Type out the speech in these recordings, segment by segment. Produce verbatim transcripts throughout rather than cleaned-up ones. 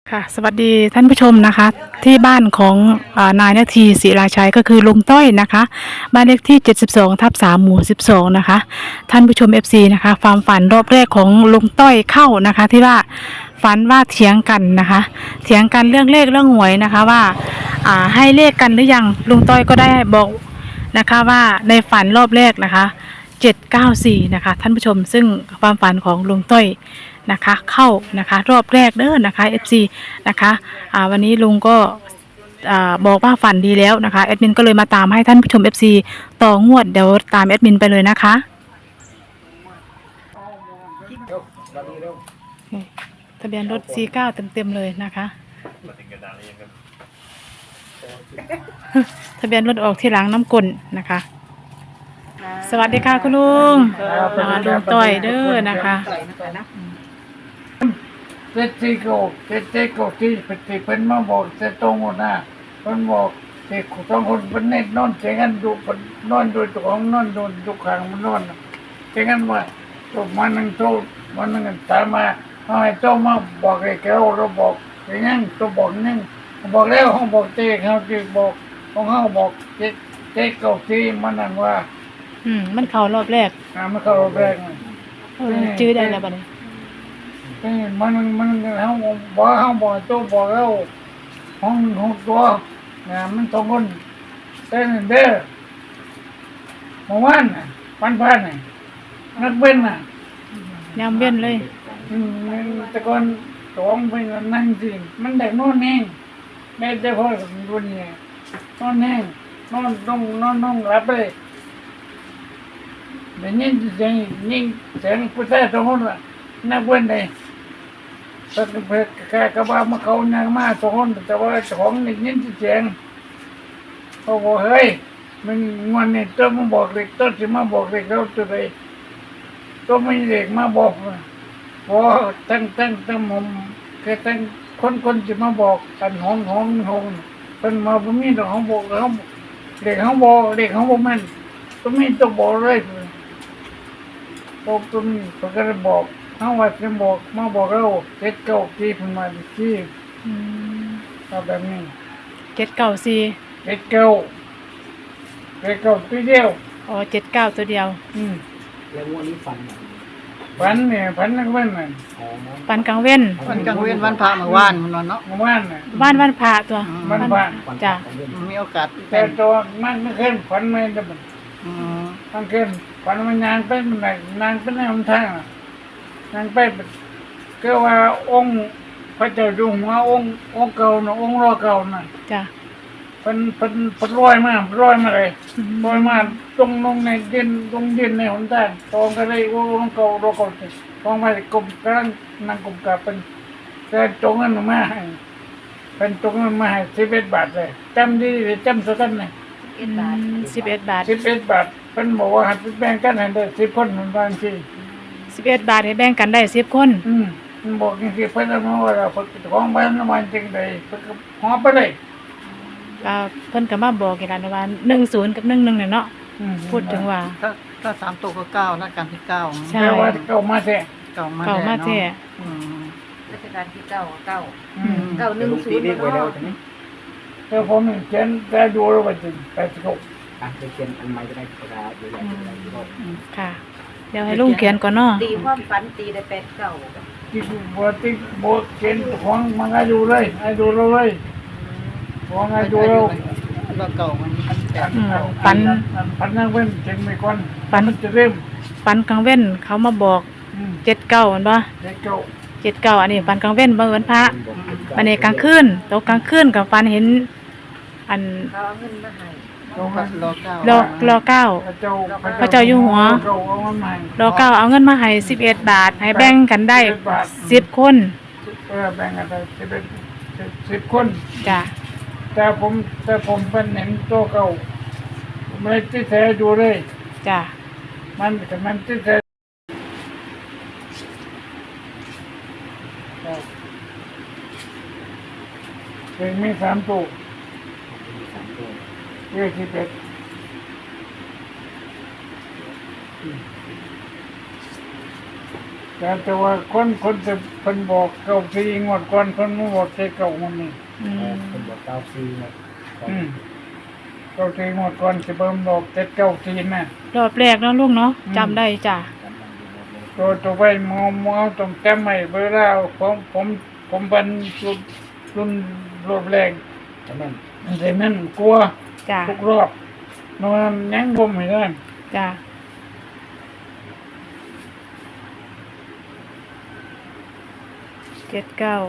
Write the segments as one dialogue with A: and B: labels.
A: ค่ะสวัสดีท่านผู้ชมนะคะที่บ้านของอานายนาทีศิราชัยก็คือลุงต้อยนะคะบ้านเลขที่เจ็ดสิบสองทับสามหมู่สิบสองนะคะท่านผู้ชม เอฟ ซี นะคะความฝันรอบแรกของลุงต้อยเข้านะคะที่ว่าฝันว่าเถียงกันนะคะเถียงกันเรื่องเลขเรื่องหวยนะคะว่าอ่าให้เลขกันหรือยังลุงต้อยก็ได้บอกนะคะว่าในฝันรอบแรกนะคะเจ็ดเก้าสี่นะคะท่านผู้ชมซึ่งความฝันของลุงต้อยนะคะเข้านะคะรอบแรกเด้อนะคะ เอฟ ซี นะคะอ่าวันนี้ลุงก็อ่าบอกว่าฝันดีแล้วนะคะแอดมินก็เลยมาตามให้ท่านผู้ชม เอฟ ซี ต่องวดเดี๋ยวตามแอดมินไปเลยนะคะทะเบียนรถ สี่เก้า เต็มๆเลยนะคะทะเบียนรถออกที่หลังน้ำกลนะคะสวัสดีค่ะคุณลุงอ่าลุงต้อยเด้อนะคะ
B: เจ็ดสี่โกเจ็ดเจ็ดโกที่เป็นที่เป็นมาบอกเจ็ดตรงหมดนะเป็นบอกเด็กสองคนเป็นเน็ตนอนเสียงกันดูเป็นนอนโดยตัวของนอนโดนทุกครั้งมันนอนเสียงกันว่าตัวมันนั่งโตมันนั่งตามมาเอาให้โตมาบอกไอ้แก้วเราบอกอย่างนั้นตัวบอกนั่งบอกแล้วเขาบอกเจ๊เขาเจ๊บอกของเขาบอกเจ็ดเจ็ดโกที่มันนั่นว่า
A: อืมมันเข้ารอบแรก
B: อ่ามันเข้ารอบแรก
A: เออจื้อได้แล้วบัดนี้
B: มันมันเขาบอกเขาบอกตัวบอกแล้วห้องห้องตัวนะมันสองคนเต้นเด้อเมื่อวานน่ะวันพันน่ะนักเว้นน่ะ
A: ยามเว้นเลย
B: อืมแต่ก่อนสองไปนั่งสิมันได้นอนแห้งได้แต่พอสมดุลเนี่ยนอนแห้งนอนต้องนอนต้องหลับเลยเดี๋ยวนี้เสียงยิ่งเสียงผู้ชายสองคนน่ะนักเว้นเลยสักเพื่อแค่กระบะมาเขานางมาสองคนแต่ว่าของนี่ยินเสียงเขาบอกเฮ้ยมันวันนี้ต้นมาบอกเด็กต้นจะมาบอกเด็กเราตัวใดต้นไม่เด็กมาบอกพอตั้งตั้งตั้งมุมแค่ตั้งคนคนจะมาบอกกันห้องห้องห้องเป็นมาบ่มีดอกห้องบอกเขาเด็กห้องบอกเด็กห้องบอกมันต้นไม่ต้องบอกเลยบอกต้นเขาก็จะบอกเขาว่าจะบอกมาบอกเราเจ็ดเก้าที่ประมาณที่เอาแบบนี้
A: เจ็ดเก้าสี่
B: เจ็ดเก้าเจ็ดเก้าตัวเดียว
A: อ๋อเจ็ดเก้าตัวเดียว
B: อืม
C: แล้ววันนี้ฝัน
B: ฝันเนี่ยฝันนักเว้นน่ะ
A: ฝันกลางเว้น
D: วันกลางเว้นวันพระเมื่อวานมันเนาะ
B: เมื่อวานน่ะ
A: บ้านวันพระตัว
B: วันพระ
A: จ้ะ
D: มีโอกาส
B: แต่ตัวมันไม่ขึ้นฝันไม่ได้มัน
D: อืม
B: มันขึ้นฝันมันนานไปมันไหนนานไปในหนทางนานไปก็ว่าองค์พระเจ้าอยู่หัวองค์องค์เก่าน่ะองค์รอเก่าน่ะ
A: จ้ะ
B: เป็นเป็นเป็นร้อยมากร้อยมาเลยร้อยมาตรงลงในดินตรงดินในหนทางตองก็เลยโอ้องค์เก่ารอเก่าตองไปกลมกำลังนั่งกลมกับเป็นแต่ตรงนั้นมาให้เป็นตรงนั้นมาให้สิบเอ็ดบาทเลยจำดีเลยจำสักกันเลย
A: สิบเอ็ดบาท
B: สิบเอ็ดบาทเป็นบอกว่าหัดแบ่งกันให้ได้สิบคนเหมือนกันสิ
A: สิบเอ็ดบาทให้แบ่งกันได้สิบคน
B: อืมบอกจริงๆเพิ่นเอามาว่าเราเพิ่นของบ้านน้ำมันจริงเลยเพิ่นก็หอบไปเลย
A: เพิ่นก็มาบอกกันว่าหนึ่งศูนย์กับหนึ่งหนึ่งเนี่ยเนาะพูดถึงว่า
D: ถ้าถ้าสามตัวก็เก้านะการที่เก้า
A: ใช่
B: ว่าเก้ามาแท้
D: เก้ามา
A: เก้ามาแท้
E: ราชการที่เก้าเก้าเก้าหนึ่งศูนย์
C: เนาะ
B: แต่ผมเขียนแต่ดูแล้วว่าจริงแปดสิบหก
C: อ่ะเขียนอันใหม่ก็ได้กระดาษใหญ่ๆ
A: ค่ะเดี๋ยวให้ลุงเขียนก่อนเนาะ
E: ตีความฝันตีได้แปดเก้า
B: ที่บัวที่บัวเขียนของมันให้ดูเลยให้ดูเราเลยของให้ดูเรา
D: เราเก่ามัน
A: ปัน
B: ปันนั่งเว้นเก่งไม่ก่อนปันจะเริ่ม
A: ปันกลางเว้นเขามาบอกเจ็ดเก้าอันบ่
B: เจ็ดเก้า
A: เจ็ดเก้าอันนี้ปันกลางเว้นบ่เหมือนพระอันนี้กลางคืนตกกลางคืนกับปันเห็นอัน
E: เขาเอาเงินมาให้
A: รอเก้ารอรอเก้าพระเจ้าอยู่หัวรอเก้าเอาเงินมาให้สิบเอ็ดบาทให้แบ่งกันได้สิบคน
B: เออแบ่งกันได้สิบเอ็ดสิบคน
A: จ้ะ
B: แต่ผมแต่ผมเป็นเห็นโตเก่าผมเลยที่แท้ดูเลย
A: จ้ะ
B: มันแต่มันที่แท้เพลงมีสามตัวเรียกสิบเอ็ดแต่แต่ว่าคนคนจะเพิ่นบอกเก้าสี่งวดก่อนเพิ่นมาบอกแค่เก้ามันนี่
A: อื
C: เออ
A: ม
C: คนบอกเก้าสี่นะ
B: อืมเก้าสี่งวดก่อนสิเบิ่มบอกเจ็ดเก้าสี่น่ะ
A: รอบแรกเนาะลุงเนาะ
B: อืม
A: จำได้จ้ะ
C: จำได้อยู่หมดเลย
B: ตัวตัวไปมอมอต้องจำไม่เวลาผมผมผมเป็นรุ่นรุ่นรอบแรง
C: แต่แม่น
B: แต่นั่นกลัว
A: จ้ะ
B: ทุกรอบนอนยังบ่ไม่ได้
A: จ้ะเจ็ดเก้า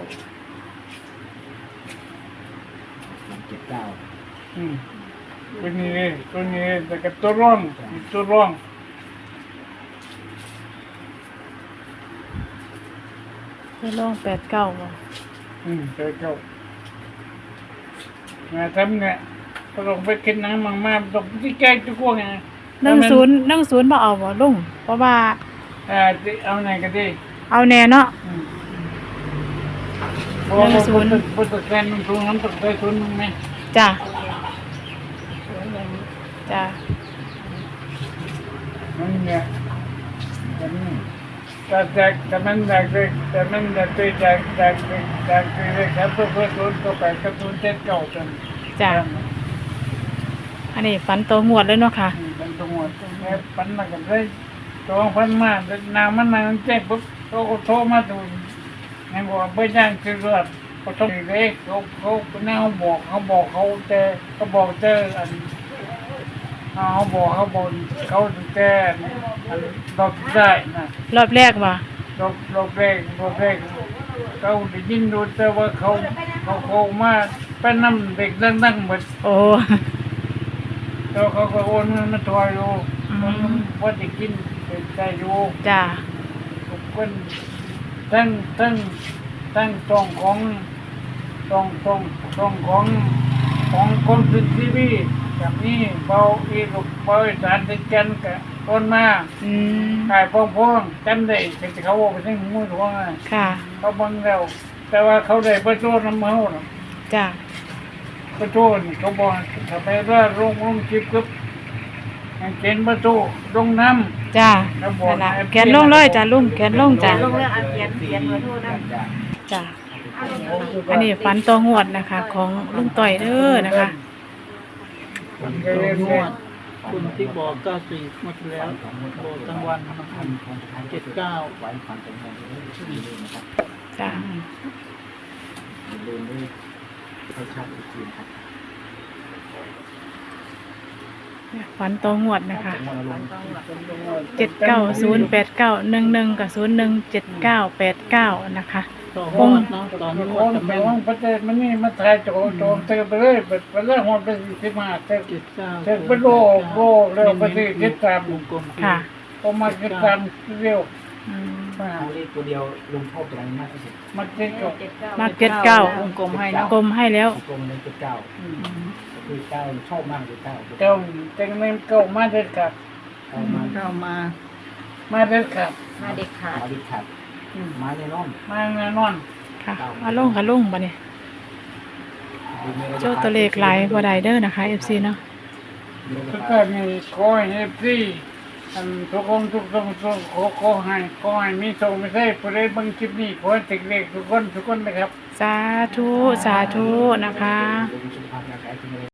C: เจ็ดเก้า
B: อืมตัวนี้เลยตัวนี้เลยแต่ก็ตัวร่องอีกตัวร่อง
A: ไปลองแปดเก้าบ่
B: อืมเจอเก้ามาทำเนี่ยก็ต้องไปกินน้ำมังมาต้องที่แก้ทุกพวกไง
A: หนึ่งศูนย์หนึ่งศูนย์บ่เอาบ่ลุงเพราะว่า
B: อ่าที่เอาไหนก็ได้
A: เอาแน่เนาะ
B: อืมเพราะว่า
A: หนึ่งศูนย์
B: พุทธแกนมันตรงนั้นต้องได้ศูนย์มั้งไหม
A: จ้ะจ้ะ
B: มันเนี่ยแต่นี่แต่แต่แต่มันแตกเลยแต่มันแตกเลยแตกแตกเลยแตกเลยครับเพื่อเพื่อศูนย์ก็ไปกับศูนย์เจ็ดเก้าจน
A: จ้ะอันนี้ฝันตัวงวดเลยเนาะค่ะ
B: อืมเป็นตัวหมดแค่ปันมากันได้ตัวพันมาแต่นางมันนางแจ้งปุ๊บเขาก็โทรมาดูไงบอกว่าเพื่อย่างซื้อเลือดเขาต้องเล็กเขาเขาแนวบอกเขาบอกเขาเจอเขาบอกเจออันเขาบอกเขาบอกเขาเจออันดอกได้นะ
A: รอบแรกบ่
B: ดอกดอกแรกดอกแรกเขาได้ยินดูแต่ว่าเขาเขาเขามาเป็นน้ำเด็กดังๆหมด
A: โอ้
B: แล้วเขาก็โอนเงินมาถอยอยู่
A: อืม
B: มันว่าจะกินเป็นใจอยู่
A: จ้ะ
B: ทุกคนตั้งตั้งตั้งตรงของตรงตรงตรงของของคนสุดทีวีกับนี้เบาอีกเบาอีสานติดกันกับคนมา
A: อืม
B: ขายพองพองจำได้แต่เขาบอกไปทั้งมือทวงอ่ะ
A: ค่ะ
B: เขาบังแล้วแต่ว่าเขาได้ประโยชน์น้ำมันน่ะ
A: จ้ะ
B: ประตูนี่เขาบอกถ้าไปว่าโรงโรงชิบกึบให้เขียนประตูลงน้
A: จ้ะ
B: ครับผม
A: นั่นล่ะแขนลงเลยจ้ะลุงแขนลงจ้ะ
E: ลงเรื่องอาเขียนเขียนเบอร์โทรนะ
A: จ้ะอันนี้ฝันตัวงวดนะคะ ของลุงต่อยเด้อนะคะ
B: ำ
D: ตัวนวดคุณที่บอกเก้าสี่หมดแล้วบอกกลางวันนะครับเจ็ดเก้า
C: ไว้ความเป็นของที่นี่เลยนะครับ
A: จ้ะ
C: อย่าลืมด้วยให้ชัดอีกทีนะครับ
A: ฝันตัวงวดนะคะ
C: จังหวะเราลง
A: เจ็ดเก้าศูนย์แปดเก้าหนึ่งหนึ่งกับศูนย์หนึ่งเจ็ดเก้าแปดเก้านะคะ
D: ต่อหอดเนาะตอน
B: ข
D: นว
B: อ
D: ด
B: ง
D: กับ
B: ข
D: แม่
B: องประเทศมันนี่มาถ่ายโจโจมเตะไปเลยไปไปเลยหอดไปสิมาเตะ
D: เจ็ดเก้า
B: เตะไปโลโลเร็วไปสิคิดตาม
D: วงกลม
A: ค่ะ
B: ก็มาคิดตามเร็ว
A: อืม
B: มา
C: เอาเลขตัวเดียวลงโทษตัวไหนมากที่สุด
B: มาเจ็ดก็
E: เจ็ดเก้า
A: มาเก็ตเก้าว
D: งกลมให้เนาะ
A: กลมให้แล้ว
C: กลมเลยเจ็ดเก้าก็คือเก้าชอบมากเลยเก้า
B: เจ้าเจ้าเล่นเก้ามาเด็ดขาด
C: เก้ามา
D: เข้ามา
B: มาเด็ดขาด
E: มาเด็กขาด
C: มาดิขัดมาในน้อง
B: มาแน่นอน
A: ค่ะมาลงค่ะลงบ่เนี่ยโจ้ตัวเลขหลายบ่ได้เด้อนะคะ เอฟ ซี เนาะ
B: ทุกท่านมีขอให้พี่อันทุกคนทุกคนทุกขอขอให้ขอให้มีโชคไม่ใช่ผู้ใดบางคลิปนี้ขอให้ติดเลขทุกคนทุกคนนะครับ
A: สาธุ สาธุนะคะ
C: ลงสุขภาพร่างกายที่ไม่ได้